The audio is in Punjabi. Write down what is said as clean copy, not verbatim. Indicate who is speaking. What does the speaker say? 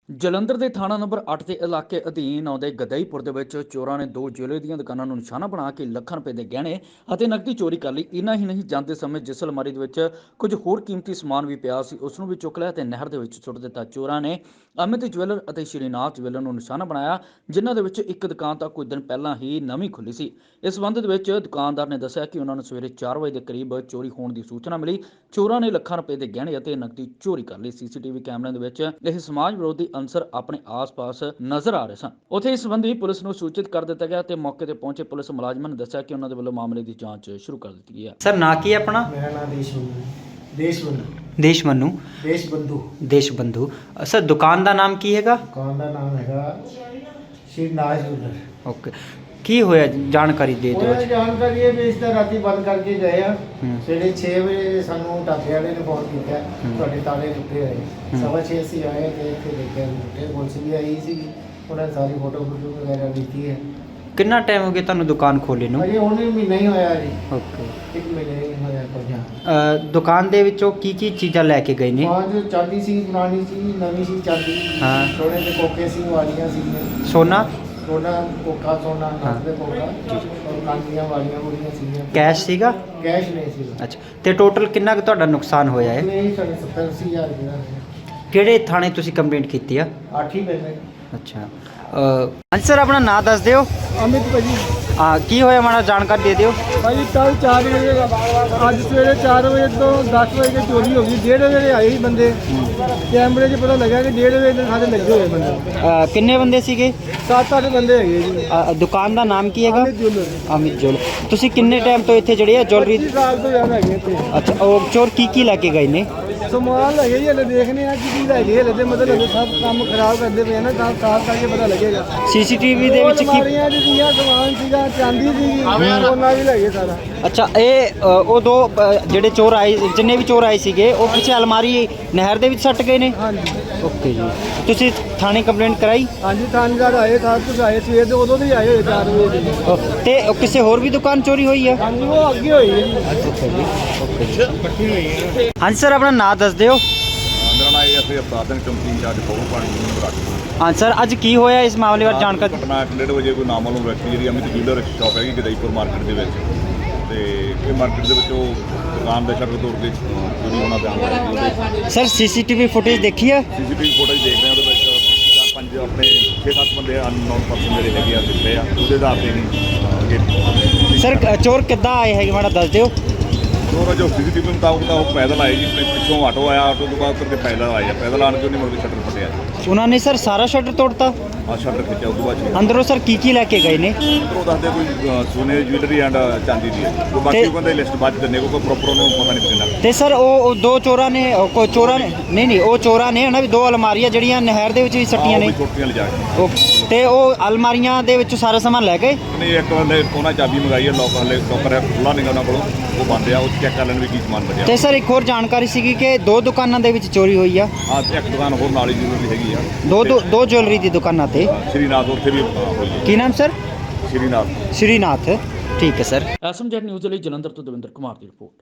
Speaker 1: ਜਲੰਧਰ ਦੇ ਥਾਣਾ ਨੰਬਰ 8 ਦੇ ਇਲਾਕੇ ਅਧੀਨ ਆਉਂਦੇ ਗਦਈਪੁਰ ਦੇ ਵਿੱਚ ਚੋਰਾਂ ਨੇ ਦੋ ਜਿਊਲਰੀ ਦੀਆਂ ਦੁਕਾਨਾਂ ਨੂੰ ਨਿਸ਼ਾਨਾ ਬਣਾ ਕੇ ਲੱਖਾਂ ਰੁਪਏ ਦੇ ਗਹਿਣੇ ਅਤੇ ਨਕਦੀ ਚੋਰੀ ਕਰ ਲਈ। ਇੰਨਾ ਹੀ ਨਹੀਂ, ਜਾਂਦੇ ਸਮੇਂ ਜਿਸ ਅਲਮਾਰੀ ਦੇ ਵਿੱਚ ਕੁਝ ਹੋਰ ਕੀਮਤੀ ਸਮਾਨ ਵੀ ਪਿਆ ਸੀ ਉਸ ਨੂੰ ਵੀ ਚੁੱਕ ਲਿਆ ਤੇ ਨਹਿਰ ਦੇ ਵਿੱਚ ਸੁੱਟ ਦਿੱਤਾ। ਚੋਰਾਂ ਨੇ ਅਮਿਤ ਜਵੈਲਰ ਅਤੇ ਸ਼੍ਰੀਨਾਥ ਜਵੈਲਰ ਨੂੰ ਨਿਸ਼ਾਨਾ ਬਣਾਇਆ, ਜਿਨ੍ਹਾਂ ਦੇ ਵਿੱਚ ਇੱਕ ਦੁਕਾਨ ਤਾਂ ਕੁਝ ਦਿਨ ਪਹਿਲਾਂ ਹੀ ਨਵੀਂ ਖੁੱਲੀ ਸੀ। ਇਸ ਸੰਬੰਧ ਦੇ ਵਿੱਚ ਦੁਕਾਨਦਾਰ ਨੇ ਦੱਸਿਆ ਕਿ ਉਹਨਾਂ ਨੂੰ ਸਵੇਰੇ 4 ਵਜੇ ਦੇ ਕਰੀਬ ਚੋਰੀ ਹੋਣ ਦੀ ਸੂਚਨਾ ਮਿਲੀ। ਚੋਰਾਂ ਨੇ ਲੱਖਾਂ ਰੁਪਏ ਦੇ ਗਹਿਣੇ ਅਤੇ ਨਕਦੀ ਚੋਰੀ ਕਰ ਲਈ। ਸੀਸੀਟੀਵੀ ਕੈਮਰਿਆਂ ਦੇ ਵਿੱਚ ਇਹ ਸਮਾਜ ਵਿਰੋਧੀ ਅੰਸਰ ਆਪਣੇ ਆਸ-ਪਾਸ ਨਜ਼ਰ ਆ ਰਹੇ ਸਨ। ਉੱਥੇ ਇਸ ਸੰਬੰਧੀ ਪੁਲਿਸ ਨੂੰ ਸੂਚਿਤ ਕਰ ਦਿੱਤਾ ਗਿਆ ਤੇ ਮੌਕੇ ਤੇ ਪਹੁੰਚੇ ਪੁਲਿਸ ਮੁਲਾਜ਼ਮਾਂ ਨੇ ਦੱਸਿਆ ਕਿ ਉਹਨਾਂ ਦੇ ਵੱਲੋਂ ਮਾਮਲੇ ਦੀ ਜਾਂਚ ਸ਼ੁਰੂ ਕਰ ਦਿੱਤੀ ਗਈ ਹੈ।
Speaker 2: सर ना की है अपना
Speaker 3: मेरा नाम
Speaker 2: देशबंधु
Speaker 3: देशबंधु
Speaker 2: सर दुकान का नाम की हैगा
Speaker 3: दुकान का नाम है श्रीनाथ जूलर।
Speaker 2: ओके की होया जानकारी दे दो।
Speaker 3: जानकारी है भी इस तरह राती बंद करके गए हैं। सवेरे 6 बजे सानू ढाबे वाले ने फोन किया ਤੁਹਾਡੇ ਤਾਲੇ ਟੁੱਟੇ ਹੋਏ। 6:30 ਅਸੀਂ ਆਏ ਤੇ ਇੱਥੇ ਦੇਖਿਆ ਟੁੱਟੇ। ਪੁਲਿਸ ਵੀ ਆਈ ਸੀ, ਉਹਨਾਂ ਨੇ ਸਾਰੀ ਫੋਟੋ ਵਗੈਰਾ ਲਿੱਤੀ ਹੈ।
Speaker 2: कितना टाइम हो गया ਤੁਹਾਨੂੰ ਦੁਕਾਨ ਖੋਲੇ ਨੂੰ?
Speaker 3: ਅਜੇ ਉਹਨੇ ਮਹੀਨਾ ਹੀ ਹੋਇਆ ਜੀ।
Speaker 2: ਓਕੇ
Speaker 3: ਇੱਕ ਮਹੀਨਾ ਹੀ ਹੋਇਆ ਪਹੁੰਚਾ।
Speaker 2: ਦੁਕਾਨ ਦੇ ਵਿੱਚੋਂ ਕੀ ਚੀਜ਼ਾਂ ਲੈ ਕੇ ਗਏ ਨੇ?
Speaker 3: ਪੰਜ ਚਾਂਦੀ ਸੀ, ਪੁਰਾਣੀ ਸੀ, ਨਵੀਂ ਸੀ ਚਾਂਦੀ।
Speaker 2: ਹਾਂ।
Speaker 3: ਸੋਨੇ ਦੇ ਕੋਕੇ ਸੀ, ਵਾਲੀਆਂ ਸੀ।
Speaker 2: ਸੋਨਾ
Speaker 3: ਸੋਨਾ ਕੋਕਾ ਸੋਨਾ ਨੱਕ ਦੇ ਕੋਕਾ ਔਰ ਕਾਂਡੀਆਂ ਵਾਲੀਆਂ ਮੁੜੀਆਂ ਸੀਗੀਆਂ।
Speaker 2: ਕੈਸ਼ ਸੀਗਾ?
Speaker 3: ਕੈਸ਼ ਨਹੀਂ ਸੀ।
Speaker 2: ਅੱਛਾ ਤੇ ਟੋਟਲ ਕਿੰਨਾ ਕੁ ਤੁਹਾਡਾ ਨੁਕਸਾਨ ਹੋਇਆ ਹੈ?
Speaker 3: ਨਹੀਂ ਸਾਡੇ 70-80 ਹਜ਼ਾਰ ਰੁਪਏ ਦਾ।
Speaker 2: ਕਿਹੜੇ ਥਾਣੇ ਤੁਸੀਂ ਕੰਪਲੇਂਟ ਕੀਤੀ ਆ?
Speaker 3: 8 ਹੀ ਪੈਸੇ।
Speaker 2: ਅੱਛਾ ਹਾਂਜੀ ਸਰ ਆਪਣਾ ਨਾਮ ਦੱਸ ਦਿਓ।
Speaker 3: ਅਮਿਤ ਭਾਜੀ।
Speaker 2: ਹਾਂ ਕੀ ਹੋਇਆ ਮਾੜਾ ਜਾਣਕਾਰੀ ਦੇ ਦਿਓ।
Speaker 3: ਭਾਜੀ ਕੱਲ 4 ਵਜੇ ਅੱਜ ਸਵੇਰੇ 4 ਵਜੇ ਤੋਂ 10 ਵਜੇ ਦੀ ਚੋਰੀ ਹੋ ਗਈ। 1:30 ਵਜੇ ਆਏ ਸੀ ਬੰਦੇ। ਕੈਮਰੇ 'ਚ ਪਤਾ ਲੱਗਾ ਕਿ 1:30 ਵਜੇ ਦੇ ਸਾਡੇ ਲੱਗੇ ਹੋਏ ਬੰਦੇ।
Speaker 2: ਕਿੰਨੇ ਬੰਦੇ ਸੀਗੇ?
Speaker 3: 7-8 ਬੰਦੇ ਹੈਗੇ ਜੀ।
Speaker 2: ਦੁਕਾਨ ਦਾ ਨਾਮ ਕੀ ਹੈਗਾ?
Speaker 3: ਅਮਿਤ ਜੁਐਲਰ।
Speaker 2: ਅਮਿਤ ਜੁਐਲਰ। ਤੁਸੀਂ ਕਿੰਨੇ ਟਾਈਮ ਤੋਂ ਇੱਥੇ ਜਿਹੜੇ ਆ ਜੁਐਲਰੀ?
Speaker 3: 25 ਸਾਲ ਤੋਂ ਜ਼ਿਆਦਾ ਹੈਗੇ ਇੱਥੇ।
Speaker 2: ਅੱਛਾ ਉਹ ਚੋਰ ਕੀ ਲੈ ਕੇ ਗਏ ਨੇ?
Speaker 3: ਸਮਾਨ ਲੱਗੇ ਜੀ, ਹਲੇ ਦੇਖਨੇ ਆ ਕੀ ਲੈ ਗਏ। ਹਲੇ ਤੇ ਮਤਲਬ ਸਭ ਕੰਮ ਖਰਾਬ ਕਰਦੇ ਪਏ ਨਾ, ਤਾਂ ਸਾਫ਼ ਕਰਕੇ ਪਤਾ ਲੱਗੇਗਾ।
Speaker 2: ਸੀਸੀਟੀਵੀ ਦੇ ਵਿੱਚ ਕੀ?
Speaker 3: ਅਲਮਾਰੀਆਂ ਦੀਆਂ ਸਮਾਨ ਸੀਗਾ, ਚਾਂਦੀ ਸੀਗੀ, ਸੋਨਾ ਵੀ ਲੈ ਗਏ ਸਾਰਾ।
Speaker 2: ਅੱਛਾ ਇਹ ਉਹ ਦੋ ਜਿਹੜੇ ਚੋਰ ਆਏ, ਜਿੰਨੇ ਵੀ ਚੋਰ ਆਏ ਸੀਗੇ ਉਹ ਪਿੱਛੇ ਅਲਮਾਰੀ ਨਹਿਰ ਦੇ ਵਿੱਚ ਸੱਟ ਗਏ ਨੇ?
Speaker 3: ਹਾਂਜੀ।
Speaker 2: ਓਕੇ ਜੀ ਤੁਸੀਂ ਥਾਣੇ ਕੰਪਲੇਂਟ ਕਰਾਈ?
Speaker 3: ਹਾਂਜੀ ਥਾਣੇਦਾਰ ਆਏ, ਸਾਰ ਕੁਝ ਆਏ ਸਵੇਰ ਦੇ, ਉਦੋਂ ਦੇ ਆਏ ਹੋਏ 4 ਵਜੇ ਦੇ।
Speaker 2: ਤੇ ਕਿਸੇ ਹੋਰ ਵੀ ਦੁਕਾਨ ਚੋਰੀ ਹੋਈ ਆ?
Speaker 3: ਹਾਂਜੀ ਉਹ ਅੱਗੇ ਹੋਈ ਹੈ ਜੀ।
Speaker 2: ਹਾਂਜੀ ਸਰ ਆਪਣਾ ਨਾਮ ਦੱਸ ਦਿਓ।
Speaker 4: ਮੇਰਾ ਨਾਮ ਇਹ ਅਸੀਂ ਅਵਤਾਰ ਸਿੰਘ ਚੌਂਕੀ ਇੰਚਾਰਜ ਫੋਰਮ ਪਾਣੀ ਨੂੰ ਬਰਾਕੀ।
Speaker 2: ਹਾਂ ਸਰ ਅੱਜ ਕੀ ਹੋਇਆ ਇਸ ਮਾਮਲੇ ਬਾਰੇ ਜਾਣਕਾਰੀ?
Speaker 4: ਘਟਨਾ 1:30 ਵਜੇ ਕੋਈ ਨਾਮਾਲੂਮ ਵਿਅਕਤੀ ਜਿਹੜੀ ਅਮਿਤ ਜੂਲਰ ਸ਼ਾਪ ਹੈਗੀ ਗਦਈਪੁਰ ਮਾਰਕੀਟ ਦੇ ਵਿੱਚ, ਤੇ ਇਹ ਮਾਰਕੀਟ ਦੇ ਵਿੱਚ ਉਹ ਦੁਕਾਨ ਦਾ ਸ਼ਟਰ ਤੋੜ ਕੇ ਚੋਰੀ ਹੋਣਾ ਬਿਆਨ ਹੋਇਆ ਜੀ। ਉਹਦੇ
Speaker 2: ਸਰ ਸੀਸੀਟੀਵੀ ਫੁਟੇਜ ਦੇਖੀ ਆ?
Speaker 4: ਸੀਸੀਟੀਵੀ ਫੋਟੇਜ ਦੇਖ ਰਹੇ ਹਾਂ, ਉਹਦੇ ਵਿੱਚ 4-5 ਆਪਣੇ 6-7 ਬੰਦੇ ਅਨਨੋਨ ਪਰਸਨ ਜਿਹੜੇ ਹੈਗੇ ਆ ਦਿੱਤੇ ਆ। ਉਹਦੇ ਆਧਾਰ ਤੇ ਨਹੀਂ
Speaker 2: ਸਰ ਚੋਰ ਕਿੱਦਾਂ ਆਏ ਹੈਗੇ ਮਾੜਾ ਦੱਸ ਦਿਓ।
Speaker 4: ਚੋਰ ਜੋ ਸੀਸੀਟੀਵੀ ਮੁਤਾਬਕ ਤਾਂ ਉਹ ਪੈਦਲ ਆਏ ਜੀ। ਪਿੱਛੋਂ ਆਟੋ ਆਇਆ, ਆਟੋ ਤੋਂ ਬਾਅਦ ਕਰਕੇ ਪੈਦਲ ਆਏ ਆ। ਪੈਦਲ ਆਣ ਕੇ ਉਹਨੇ ਮੁੜ ਕੇ ਸ਼ਟਰ ਫਟਿਆ।
Speaker 2: ਉਹਨਾਂ ਨੇ ਸਰ ਸਾਰਾ ਸ਼ਟਰ ਤੋੜਤਾ?
Speaker 4: ਆ ਸ਼ਟਰ ਖਿੱਚਿਆ। ਉਸ ਤੋਂ ਬਾਅਦ
Speaker 2: ਅੰਦਰੋਂ ਸਰ ਕੀ ਲੈ ਕੇ ਗਏ ਨੇ?
Speaker 4: ਉਹ ਦੱਸਦੇ ਕੋਈ ਸੋਨੇ ਦੀ ਜੁਐਲਰੀ ਐਂਡ ਚਾਂਦੀ ਦੀ ਹੈ। ਉਹ ਬਾਕੀ ਉਹ ਕਹਿੰਦੇ ਲਿਸਟ ਬਾਅਦ 'ਚ ਦਿੰਦੇ, ਕੋਈ ਪ੍ਰੋਪਰ ਉਹਨੂੰ ਪਤਾ ਨਹੀਂ ਕਿੰਨਾ।
Speaker 2: ਤੇ ਸਰ ਉਹ ਦੋ ਚੋਰਾਂ ਨੇ ਉਹ ਚੋਰਾਂ ਨੇ ਉਹਨਾਂ ਵੀ ਦੋ ਅਲਮਾਰੀਆਂ ਜਿਹੜੀਆਂ ਨਹਿਰ ਦੇ ਵਿੱਚ ਵੀ ਸੱਟੀਆਂ ਨੇ।
Speaker 4: ਛੋਟੀਆਂ ਲਿਜਾ ਕੇ
Speaker 2: ਤੇ ਉਹ ਅਲਮਾਰੀਆਂ ਦੇ ਵਿੱਚੋਂ ਸਾਰਾ ਸਮਾਨ ਲੈ ਗਏ?
Speaker 4: ਨਹੀਂ, ਇੱਕ ਹਲੇ ਉਹਨਾਂ ਚਾਬੀ ਮੰਗਾਈ ਹੈ, ਲੋਕਰ ਹੈ ਖੁੱਲ੍ਹਾ ਨਹੀਂ ਉਹਨਾਂ ਕੋਲੋਂ, ਉਹ ਬੰਦ ਆ। ਉਹ ਚੈੱਕ ਕਰ ਲੈਣ ਵੀ ਕੀ ਸਮਾਨ ਬਚਿਆ।
Speaker 2: ਤੇ ਸਰ ਇੱਕ ਹੋਰ ਜਾਣਕਾਰੀ ਸੀਗੀ ਕਿ ਦੋ ਦੁਕਾਨਾਂ ਦੇ ਵਿੱਚ ਚੋਰੀ ਹੋਈ ਆ?
Speaker 4: ਹਾਂ ਇੱਕ ਦੁਕਾਨ ਹੋਰ ਨਾਲ ਹੀ ਜੁਐਲਰੀ ਹੈਗੀ ਆ।
Speaker 2: ਦੋ ਜੁਐਲਰੀ ਦੀ ਦੁਕਾਨਾਂ ਤੇ?
Speaker 4: ਸ਼੍ਰੀਨਾਥ ਉੱਥੇ ਵੀ ਹੋਈ ਹੈ।
Speaker 2: ਕੀ ਨਾਮ ਸਰ?
Speaker 4: ਸ਼੍ਰੀਨਾਥ।
Speaker 2: ਸ਼੍ਰੀਨਾਥ। ਠੀਕ ਹੈ ਸਰ।
Speaker 1: ਐਸਐਮਜੈਡ ਨਿਊਜ਼ ਲਈ ਜਲੰਧਰ ਤੋਂ ਦਵਿੰਦਰ ਕੁਮਾਰ ਦੀ ਰਿਪੋਰਟ।